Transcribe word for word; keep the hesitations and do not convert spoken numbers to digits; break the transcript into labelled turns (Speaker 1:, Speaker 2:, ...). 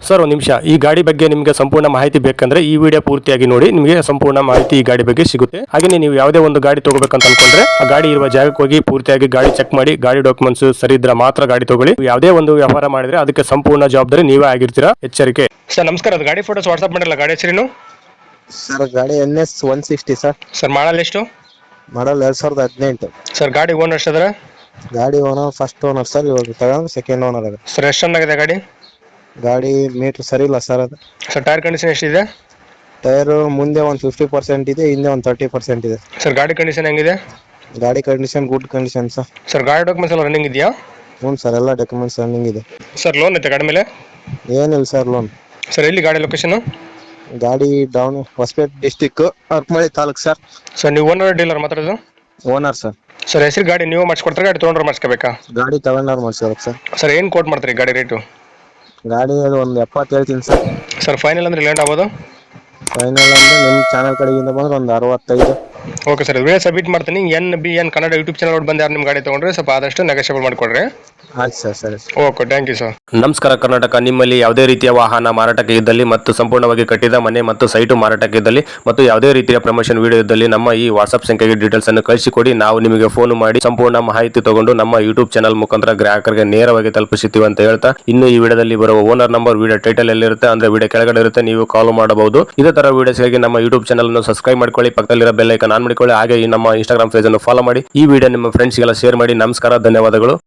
Speaker 1: Sir ಒಂದು ನಿಮಿಷ, ಈ ಗಾಡಿ ಬಗ್ಗೆ ನಿಮಗೆ ಸಂಪೂರ್ಣ ಮಾಹಿತಿ ಬೇಕಂದ್ರೆ ಈ ವಿಡಿಯೋ ಪೂರ್ತಿಯಾಗಿ ನೋಡಿ, ನಿಮಗೆ ಸಂಪೂರ್ಣ ಮಾಹಿತಿ ಈ ಗಾಡಿ ಬಗ್ಗೆ ಸಿಗುತ್ತೆ. ಹಾಗೆ ನೀವು ಯಾವುದೇ ಒಂದು ಗಾಡಿ ತಗೋಬೇಕಂತ ಅನ್ಕೊಂಡ್ರೆ ಆ ಗಾಡಿ ಇರುವ ಜಾಗಕ್ಕೆ ಹೋಗಿ ಪೂರ್ತಿಯಾಗಿ ಗಾಡಿ ಚೆಕ್ ಮಾಡಿ, ಗಾಡಿ ಡಾಕ್ಯುಮೆಂಟ್ಸ್ ಸರಿ ಇದ್ರೆ ಮಾತ್ರ ಗಾಡಿ ತಗೊಳ್ಳಿ. ಯಾವುದೇ ಒಂದು ವ್ಯವಹಾರ ಮಾಡಿದ್ರೆ ಅದಕ್ಕೆ ಸಂಪೂರ್ಣ ಜವಾಬ್ದಾರಿ ನೀವೇ ಆಗಿರ್ತೀರಾ, ಎಚ್ಚರಿಕೆ. ಸರ್ ನಮಸ್ಕಾರ, ಅದು ಗಾಡಿ ಫೋಟೋಸ್ ವಾಟ್ಸ್ಆಪ್ ಮಾಡಿರಲ್ಲ, ಗಾಡಿ ಹೆಸರೇನು?
Speaker 2: ಸರ್ ಗಾಡಿ N S one sixty sir.
Speaker 1: Sir model ಎಷ್ಟು?
Speaker 2: ಮಾಡಲ್ ಎರಡ್ ಸಾವಿರದ ಹದಿನೆಂಟು.
Speaker 1: ಸರ್ ಗಾಡಿ ಓನರ್ ಎಷ್ಟಿದ್ರೆ?
Speaker 2: ಗಾಡಿ ಓನರ್ ಫಸ್ಟ್ ಓನರ್ ಸರ್, ಇವಾಗ ತಗೊಂಡು ಸೆಕೆಂಡ್ ಓನರ್ ಆಗಿದೆ.
Speaker 1: ಸರ್ ಎಷ್ಟು ಚೆನ್ನಾಗಿದೆ ಗಾಡಿ?
Speaker 2: ಗಾಡಿ ಮೀಟರ್ ಸರಿ ಇಲ್ಲ ಸರ್ ಅದು.
Speaker 1: ಸರ್ ಟೈರ್ ಕಂಡೀಷನ್ ಎಷ್ಟಿದೆ?
Speaker 2: ಟೈರ್ ಮುಂದೆ ಒಂದು ಫಿಫ್ಟಿ ಪರ್ಸೆಂಟ್ ಇದೆ, ಹಿಂದೆ ಒಂದು ತರ್ಟಿ ಪರ್ಸೆಂಟ್ ಇದೆ.
Speaker 1: ಸರ್ ಗಾಡಿ ಕಂಡೀಷನ್ ಹೆಂಗಿದೆ?
Speaker 2: ಗಾಡಿ condition good condition sir.
Speaker 1: Sir ಗಾಡಿ ಡಾಕ್ಯುಮೆಂಟ್ಸ್ ಎಲ್ಲ ರನ್ನಿಂಗ್ ಇದೆಯಾ?
Speaker 2: ಹ್ಞೂ ಸರ್, ಎಲ್ಲ ಡಾಕ್ಯುಮೆಂಟ್ಸ್ ರನ್ನಿಂಗ್ ಇದೆ.
Speaker 1: ಸರ್ ಲೋನ್ ಐತೆ ಗಾಡಿ ಮೇಲೆ?
Speaker 2: ಏನಿಲ್ಲ ಸರ್ ಲೋನ್.
Speaker 1: ಸರ್ ಎಲ್ಲಿ ಗಾಡಿ ಲೊಕೇಶನ್?
Speaker 2: ಗಾಡಿ ಡೌನ್ ಹೊಸಪೇಟೆ ಡಿಸ್ಟಿಕ್, ಅರ್ಕಮಳಿ ತಾಲೂಕು ಸರ್.
Speaker 1: ಸರ್ ನೀವು ಓನರ್ ಡೀಲರ್ ಮಾತಾಡೋದು?
Speaker 2: Owner sir.
Speaker 1: ಸರ್ ಹೆಸರು ಗಾಡಿ ನೀವು ಮಾಡಿಸ್ಕೊಡ್ತಾರೆ, ಗಾಡಿ ತೊಗೊಂಡ್ರೆ ಮಾಡಿಸ್ಕೋಬೇಕಾ?
Speaker 2: ಗಾಡಿ ತಗೊಂಡವ್ರು ಮಾಡಿಸ್ಬೇಕು ಸರ್.
Speaker 1: ಸರ್ ಏನು ಕೋಟ್ ಮಾಡ್ತೀರಿ ಗಾಡಿ ರೇಟು?
Speaker 2: ಗಾಡಿ ಅದು ಒಂದು ಎಪ್ಪತ್ತು ಹೇಳ್ತೀನಿ ಸರ್.
Speaker 1: ಸರ್ ಫೈನಲ್ ಅಂದ್ರೆ ಲ್ಯಾಂಡ್ ಆಗ್ಬೋದು?
Speaker 2: ಫೈನಲ್ ಅಂದ್ರೆ ನಿಮ್ಮ ಚಾನಲ್ ಕಡೆಯಿಂದ ಬಂದ್ರೆ ಒಂದು ಅರವತ್ತೈದು.
Speaker 1: ಓಕೆ ಸರ್, ವಿಡಿಯೋ ಸಬ್ಮಿಟ್ ಮಾಡ್ತೀನಿ. N B N Kannada YouTube channel ಬಂದು ಯಾರು ನಿಮ್ಮ ಗಾಡಿ ತೊಗೊಂಡ್ರೆ ಸ್ವಲ್ಪ ಆದಷ್ಟು ನೆಗೋಷಿಯಬಲ್ ಮಾಡಿಕೊಡ್ರಿ.
Speaker 2: ಆಯ್ತು ಸರ್, ಸರಿ.
Speaker 1: Okay, thank you sir. ನಮಸ್ಕಾರ ಕರ್ನಾಟಕ. ನಿಮ್ಮಲ್ಲಿ ಯಾವುದೇ ರೀತಿಯ ವಾಹನ ಮಾರಾಟಕ್ಕೆ ಇದ್ದಲ್ಲಿ ಮತ್ತು ಸಂಪೂರ್ಣವಾಗಿ ಕಟ್ಟಿದ ಮನೆ ಮತ್ತು ಸೈಟು ಮಾರಾಟಕ್ಕೆ ಇದ್ದಲ್ಲಿ ಮತ್ತು ಯಾವುದೇ ರೀತಿಯ ಪ್ರಮೋಷನ್ ವಿಡಿಯೋ ಇದ್ದಲ್ಲಿ ನಮ್ಮ ಈ ವಾಟ್ಸ್ಆಪ್ ಸಂಖ್ಯೆಗೆ ಡೀಟೇಲ್ಸ್ ಅನ್ನು ಕಳಿಸಿಕೊಡಿ. ನಾವು ನಿಮಗೆ ಫೋನ್ ಮಾಡಿ ಸಂಪೂರ್ಣ ಮಾಹಿತಿ ತಗೊಂಡು ನಮ್ಮ ಯೂಟ್ಯೂಬ್ ಚಾನಲ್ ಮುಖಾಂತರ ಗ್ರಾಹಕರಿಗೆ ನೇರವಾಗಿ ತಲುಪಿಸುತ್ತೀವಿ ಅಂತ ಹೇಳ್ತಾ, ಇನ್ನು ಈ ವಿಡಿಯೋದಲ್ಲಿ ಬರುವ ಓನರ್ ನಂಬರ್ ವಿಡಿಯೋ ಟೈಟಲ್ ಎಲ್ಲಿರುತ್ತೆ ಅಂದ್ರೆ ವಿಡಿಯೋ ಕೆಳಗಡೆ ಇರುತ್ತೆ, ನೀವು ಕಾಲ್ ಮಾಡಬಹುದು. ಇದೇ ತರ ವಿಡಿಯೋಸ್ಗಾಗಿ ನಮ್ಮ ಯೂಟ್ಯೂಬ್ ಚಾನಲ್ ಅನ್ನು ಸಬ್ಸ್ಕ್ರೈಬ್ ಮಾಡ್ಕೊಳ್ಳಿ, ಪಕ್ಕದಲ್ಲಿರೋ ಬೆಲ್ ಐಕಾನ್ ಆನ್ ಮಾಡಿಕೊಳ್ಳಿ. ಹಾಗೆ ಈ ನಮ್ಮ ಇನ್ಸ್ಟಾಗ್ರಾಮ್ ಪೇಜ್ ಅನ್ನು ಫಾಲೋ ಮಾಡಿ. ಈ ವಿಡಿಯೋ ನಿಮ್ಮ ಫ್ರೆಂಡ್ಸ್ಗೆಲ್ಲ ಶೇರ್ ಮಾಡಿ. ನಮಸ್ಕಾರ, ಧನ್ಯವಾದಗಳು.